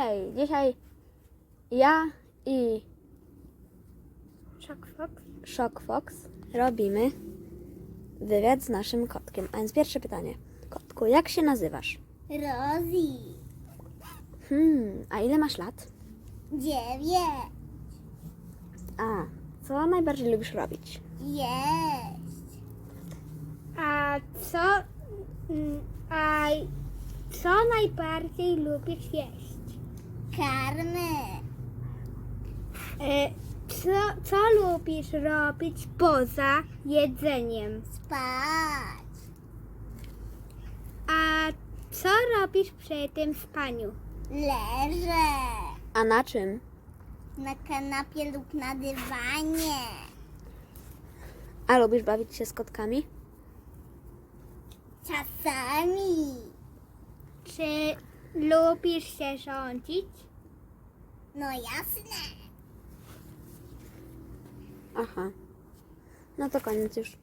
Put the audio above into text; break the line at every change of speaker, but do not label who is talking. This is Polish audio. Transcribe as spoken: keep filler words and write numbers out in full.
Hej, dzisiaj ja i
Shock Fox.
Shock Fox robimy wywiad z naszym kotkiem. A więc pierwsze pytanie. Kotku, jak się nazywasz?
Rosie.
Hmm, a ile masz lat?
Dziewięć.
A, co najbardziej lubisz robić?
Jeść. A co... mm, A co najbardziej lubisz jeść? Karmy. E, co, co lubisz robić poza jedzeniem? Spać. A co robisz przy tym spaniu? Leżę.
A na czym?
Na kanapie lub na dywanie.
A lubisz bawić się z kotkami?
Czasami. Czy lubisz się rządzić? No jasne.
Aha. No to koniec już.